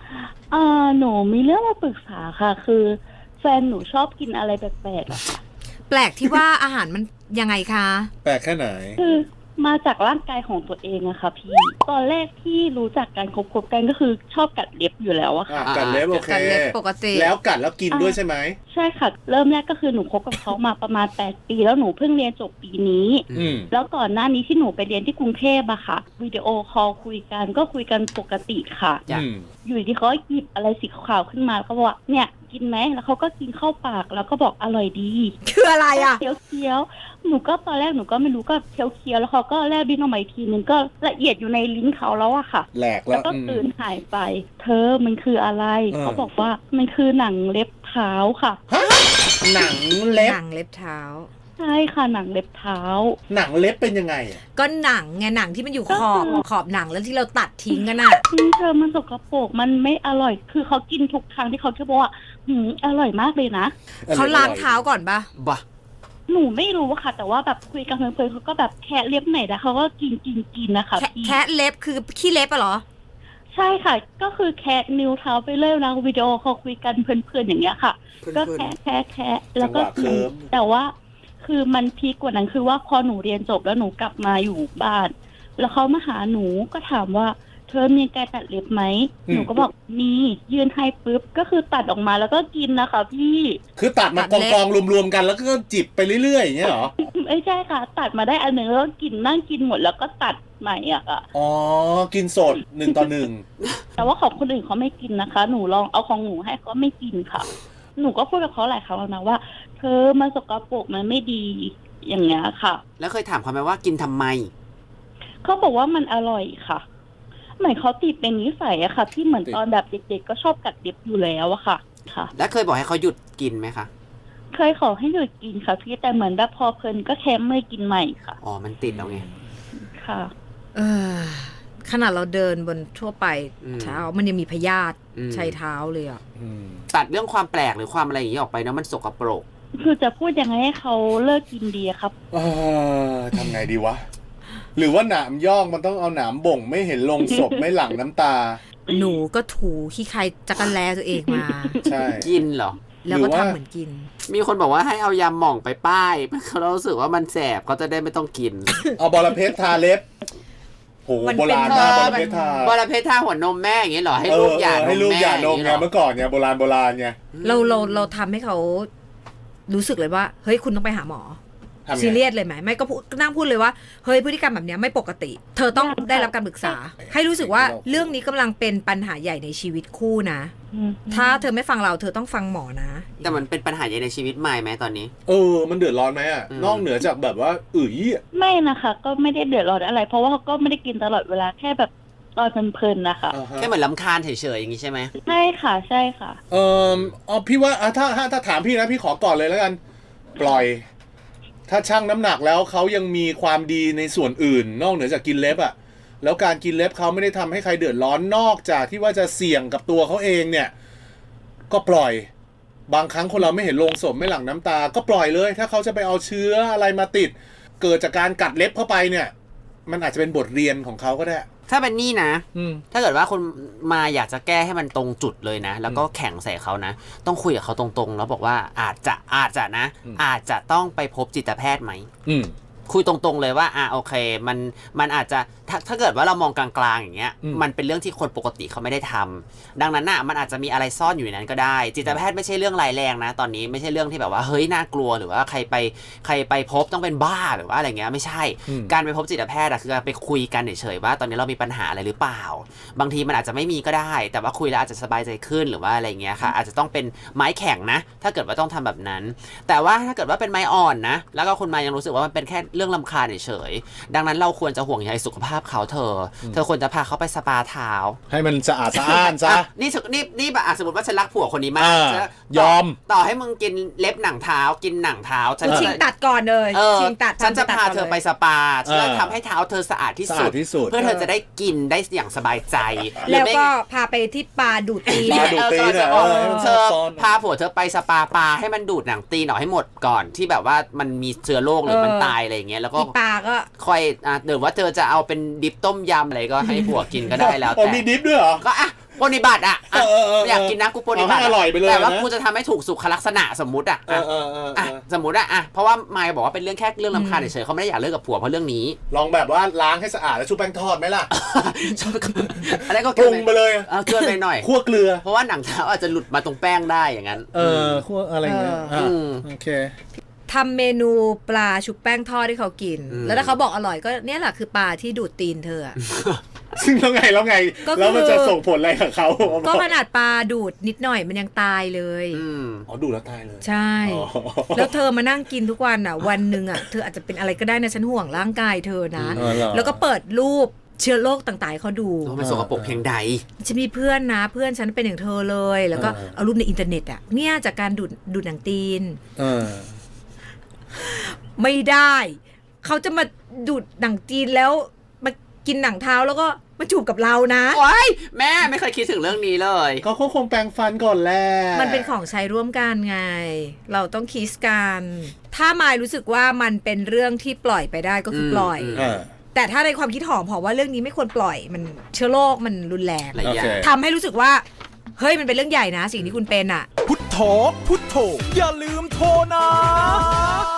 หนูมีเรื่องมาปรึกษาค่ะคือแฟนหนูชอบกินอะไรแปลกๆอะค่ะแปลกที่ว่าอาหารมันยังไงคะแปลกแค่ไหนคือมาจากร่างกายของตัวเองอะค่ะพี่ตอนแรกที่รู้จักกันคบกันก็คือชอบกัดเล็บอยู่แล้วอะค่ะกัดเล็บโอเคกัดเล็บปกติแล้วกัดแล้วกินด้วยใช่ไหมใช่ค่ะเริ่มแรกก็คือหนูคบกับเขามาประมาณ8 ปีแล้วหนูเพิ่งเรียนจบปีนี้แล้วก่อนหน้านี้ที่หนูไปเรียนที่กรุงเทพอะค่ะวิดีโอคอลคุยกันก็คุยกันปกติค่ะอยู่ที่เขาหยิบอะไรสีขาวขึ้นมาเขาบอกว่าเนี่ยกินไหมแล้วเขาก็กินเข้าปากแล้วก็บอกอร่อยดีคืออะไรอ่ะเคี้ยวหนูก็ตอนแรกหนูก็ไม่รู้ก็เคี้ยวแล้วเขาก็แลบลิ้นออกมาอีกทีนึงก็ละเอียดอยู่ในลิ้นเขาแล้วอะค่ะแหลกแล้วก็ตื่นหายไปเธอมันคืออะไรเขาบอกว่ามันคือหนังเล็บเท้าค่ะหนังเล็บเท้าใช่ค่ะหนังเล็บเท้าหนังเล็บเป็นยังไงก็หนังไงหนังที่มันอยู่ขอบหนังแล้วที่เราตัดทิ้งกันน่ะเธอมันสกปรกมันไม่อร่อยคือเขากินทุกครั้งที่เขาจะบอกว่าอร่อยมากเลยนะเขาล้างเท้าก่อนปะหนูไม่รู้ค่ะแต่ว่าแบบคุยกันเพลินๆเขาก็แบบแคะเล็บไหนแต่เขาก็กินนะคะแคะเล็บคือขี้เล็บอะเหรอใช่ค่ะก็คือแคะนิ้วเท้าไปเรื่อยนะวิดีโอเขาคุยกันเพลินๆอย่างเงี้ยค่ะก็แคะแล้วก็กินแต่ว่าคือมันพีคกว่านั้นคือว่าพอหนูเรียนจบแล้วหนูกลับมาอยู่บ้านแล้วเขามาหาหนูก็ถามว่าเธอมีการตัดเล็บไหมหนูก็บอกมียื่นให้ปุ๊บก็คือตัดออกมาแล้วก็กินนะคะพี่คือตัดมากองรวมๆกันแล้วก็จิบไปเรื่อยๆอย่างเงี้ยเหรอไม่ใช่ค่ะตัดมาได้อันหนึ่งแล้วกินนั่งกินหมดแล้วก็ตัดใหม่อ่ะอ๋อกินสด1 ต่อ 1 แต่ว่าของคนอื่นเขาไม่กินนะคะหนูลองเอาของหนูให้เขาไม่กินค่ะหนูก็พูดกับเขาหลายครั้งแล้วนะว่าเธอมันสกปรกมันไม่ดีอย่างเงี้ยค่ะแล้วเคยถามเขาไหมว่ากินทำไมเขาบอกว่ามันอร่อยค่ะเหมือนเขาติดเป็นนิสัยอะค่ะที่เหมือนตอนแบบเด็กๆก็ชอบกัดเล็บอยู่แล้วอะค่ะแล้วเคยบอกให้เขาหยุดกินไหมคะเคยขอให้หยุดกินค่ะพี่แต่เหมือนแบบพอเพลินก็แค้มไม่กินใหม่ค่ะอ๋อมันติดแล้วไงค่ะขนาดเราเดินบนทั่วไปเท้ามันยังมีพยาธิใช้เท้าเลยอ่ะตัดเรื่องความแปลกหรือความอะไรอย่างนี้ออกไปนะมันสกปรกคือจะพูดยังไงให้เขาเลิกกินดีครับทำไงดีวะหรือว่าหนามย่องมันต้องเอาหนามบ่งไม่เห็นลงศพไม่หลั่งน้ำตาหนูก็ถูขี้ใครจักรแลตัวเองมาใช่กินเหรอแล้วก็ทำเหมือนกินมีคนบอกว่าให้เอายาหม่องไปป้ายเขารู้สึกว่ามันแสบเขาจะได้ไม่ต้องกินเอาบอระเพ็ดทาเล็บโหโบราณมากบอระเพ็ดทาหัวนมแม่อย่างเงี้ยเหรอให้ลูกหย่านมแม่ให้ลูกหย่านมไงเมื่อก่อนเนี่ยโบราณไงเราทำให้เขารู้สึกเลยว่าเฮ้ยคุณต้องไปหาหมอซีเรียสเลยไหมไม่ก็นั่งพูดเลยว่าเฮ้ยพฤติกรรมแบบนี้ไม่ปกติเธอต้องได้รับการปรึกษาให้รู้สึกว่าเรื่องนี้กำลังเป็นปัญหาใหญ่ในชีวิตคู่นะถ้าเธอไม่ฟังเราเธอต้องฟังหมอนะแต่มันเป็นปัญหาใหญ่ในชีวิตใหม่ไหมตอนนี้มันเดือดร้อนไหมอ่ะนอกเหนือจากแบบว่าไม่นะคะก็ไม่ได้เดือดร้อนอะไรเพราะว่าเขาก็ไม่ได้กินตลอดเวลาแค่แบบตอนเพลินๆนะคะแค่เหมือนรำคาญเฉยๆอย่างนี้ใช่ไหมใช่ค่ะใช่ค่ะพี่ว่าถ้าถามพี่นะพี่ขอก่อนเลยแล้วกันปล่อยถ้าชั่งน้ำหนักแล้วเขายังมีความดีในส่วนอื่นนอกเหนือจากกินเล็บอ่ะแล้วการกินเล็บเขาไม่ได้ทำให้ใครเดือดร้อนนอกจากที่ว่าจะเสี่ยงกับตัวเขาเองเนี่ยก็ปล่อยบางครั้งคนเราไม่เห็นโลงศพไม่หลั่งน้ำตาก็ปล่อยเลยถ้าเขาจะไปเอาเชื้ออะไรมาติดเกิดจากการกัดเล็บเข้าไปเนี่ยมันอาจจะเป็นบทเรียนของเขาก็ได้ถ้าเป็นนี่นะถ้าเกิดว่าคนมาอยากจะแก้ให้มันตรงจุดเลยนะแล้วก็แข่งใส่เขานะต้องคุยกับเขาตรงๆแล้วบอกว่าอาจจะนะอาจจะต้องไปพบจิตแพทย์ไหมคุยตรงๆเลยว่าโอเคมันอาจจะถ้าเกิดว่าเรามองกลางๆอย่างเงี้ยมันเป็นเรื่องที่คนปกติเขาไม่ได้ทำดังนั้นน่ะมันอาจจะมีอะไรซ่อนอยู่ในนั้นก็ได้จิตแพทย์ไม่ใช่เรื่องร้ายแรงนะตอนนี้ไม่ใช่เรื่องที่แบบว่าเฮ้ยน่ากลัวหรือว่าใครไปพบต้องเป็นบ้าหรือว่าอะไรเงี้ยไม่ใช่การไปพบจิตแพทย์คือการไปคุยกันเฉยๆว่าตอนนี้เรามีปัญหาอะไรหรือเปล่าบางทีมันอาจจะไม่มีก็ได้แต่ว่าคุยแล้วอาจจะสบายใจขึ้นหรือว่าอะไรเงี้ยค่ะอาจจะต้องเป็นไม้แข็งนะถ้าเกิดว่าต้องทำแบบนั้นแต่ว่าถ้าเกิดว่าเป็นไม้อ่อนนะแล้วก็คุณมายังรู้สึกว่ามันเป็นแค่เรื่องรำคาญเฉยๆดังนั้นเราควรจะห่วงใยสุขภาพเขาเธอควรจะพาเขาไปสปาเท้าให้มันสะอาดสะอ้านซะนี่แบบสมมติว่าฉันรักผัวคนนี้มากยอมต่อให้มึงกินเล็บหนังเท้ากินหนังเท้าฉันชิงตัดก่อนเลยชิงตัดฉันจะพาเธอไปสปาฉันจะทำให้เท้าเธอสะอาดที่สุดเพื่อเธอจะได้กินได้อย่างสบายใจแล้วก็พาไปที่ปาดูดตีนเธอพาผัวเธอไปสปาให้มันดูดหนังตีนออกให้หมดก่อนที่แบบว่ามันมีเชื้อโรคหรือมันตายอะไรอย่างเงี้ยแล้วก็ปาก็ค่อยเดี๋ยวว่าเธอจะเอาเป็นดิบต้มยำอะไรก็ให้ผัวกินก็ได้แล้วแต่มีดิบด้วยเหรอก็ปฏิบัติอ่ะอยากกินนะกูปฏิบัติอร่อยไปเลยแต่ว่ากูจะทำให้ถูกสุขลักษณะสมมุติอ่ะสมมุติอ่ะเพราะว่ามายบอกว่าเป็นเรื่องแค่เรื่องรำคาญเฉยๆเขาไม่ได้อยากเลิกกับผัวเพราะเรื่องนี้ลองแบบว่าล้างให้สะอาดแล้วชุบแป้งทอดไหมล่ะอะไรก็ปรุงไปเลยเกลือไปหน่อยคั่วเกลือเพราะว่าหนังเท้าอาจจะหลุดมาตรงแป้งได้อย่างนั้นคั่วอะไรเงี้ยโอเคทำเมนูปลาชุบแป้งทอดให้เขากิน แล้วถ้าเขาบอกอร่อยก็เนี่ยแหละคือปลาที่ดูดตีนเธอซึ่งแล้วไงแล้วมันจะส่งผลอะไรกับเขาก็ขนาดปลาดูดนิดหน่อยมันยังตายเลยอ๋อดูดแล้วตายเลยใช่แล้วเธอมานั่งกินทุกวันอ่ะวันหนึ่งอ่ะเธออาจจะเป็นอะไรก็ได้นะฉันห่วงร่างกายเธอนะแล้วก็เปิดรูปเชื้อโรคต่างๆเขาดูมันสกปรกเพียงใดฉันมีเพื่อนนะเพื่อนฉันเป็นอย่างเธอเลยแล้วก็เอารูปในอินเทอร์เน็ตอ่ะเนี่ยจากการดูดหนังตีนไม่ได้เขาจะมาดูดหนังจีนแล้วมากินหนังเท้าแล้วก็มาจูบกับเรานะโอ๊ยแม่ไม่เคยคิดถึงเรื่องนี้เลยเขาคงแปรงฟันก่อนแหละมันเป็นของใช้ร่วมกันไงเราต้องคิสกันถ้ามายรู้สึกว่ามันเป็นเรื่องที่ปล่อยไปได้ก็คือปล่อยแต่ถ้าในความคิดหอมเพราะว่าเรื่องนี้ไม่ควรปล่อยมันเชื้อโรคมันรุนแรงทำให้รู้สึกว่าเฮ้ยมันเป็นเรื่องใหญ่นะสิ่งที่คุณเป็นอ่ะพุทโธอย่าลืมโทรนะ